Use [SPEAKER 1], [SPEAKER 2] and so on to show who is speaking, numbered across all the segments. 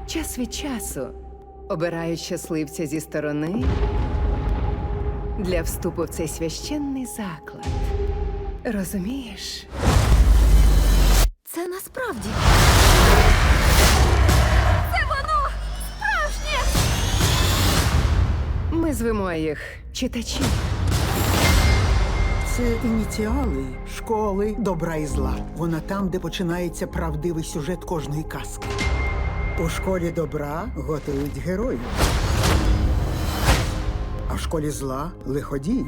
[SPEAKER 1] час від часу обирають щасливця зі сторони для вступу в цей священний заклад. Розумієш?
[SPEAKER 2] Це насправді. Це воно! Справжнє!
[SPEAKER 1] Ми звемо їх читачі.
[SPEAKER 3] Це ініціали школи добра і зла. Вона там, де починається правдивий сюжет кожної казки. У школі добра готують героїв, а в школі зла лиходіїв.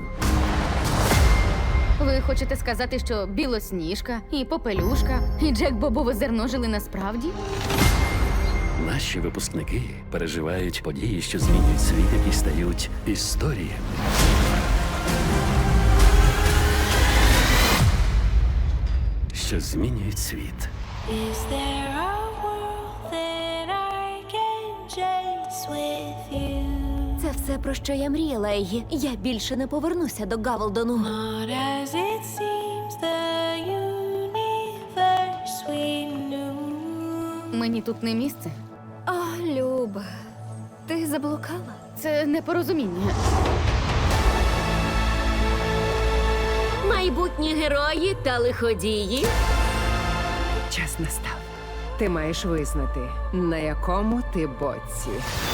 [SPEAKER 2] Ви хочете сказати, що Білосніжка, і Попелюшка, і Джек Бобове зерно жили насправді?
[SPEAKER 4] Наші випускники переживають події, що змінюють світ, які стають історіями. Що змінюють світ.
[SPEAKER 5] Is there a world that I can chase with you?
[SPEAKER 2] Це все, про що я мріяла, Егі. Я більше не повернуся до Гавелдону.
[SPEAKER 5] Not as it seems, the universe we knew.
[SPEAKER 2] Мені тут не місце. О, Люба, ти заблукала? Це непорозуміння. Майбутні герої та лиходії.
[SPEAKER 1] Час настав. Ти маєш визнати, на якому ти боці.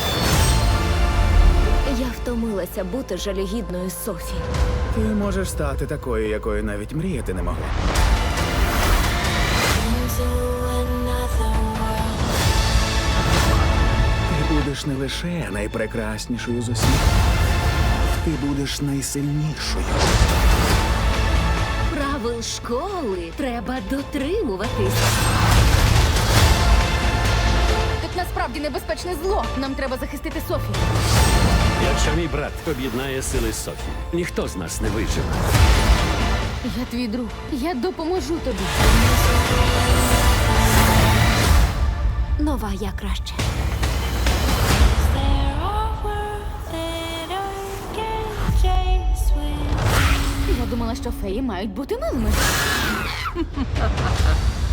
[SPEAKER 2] Я втомилася бути жалюгідною Софі.
[SPEAKER 6] Ти можеш стати такою, якою навіть мріяти не могла.
[SPEAKER 5] Into another world.
[SPEAKER 6] Ти будеш не лише найпрекраснішою з усіх. Ти будеш найсильнішою.
[SPEAKER 2] Правил школи треба дотримуватись. Тут насправді небезпечне зло. Нам треба захистити Софі.
[SPEAKER 4] Якщо мій брат об'єднає сили Софії, ніхто з нас не виживе.
[SPEAKER 2] Я твій друг. Я допоможу тобі. Нова я краще.
[SPEAKER 5] Is there a world that I can chase with you?
[SPEAKER 2] Я думала, що феї мають бути милими.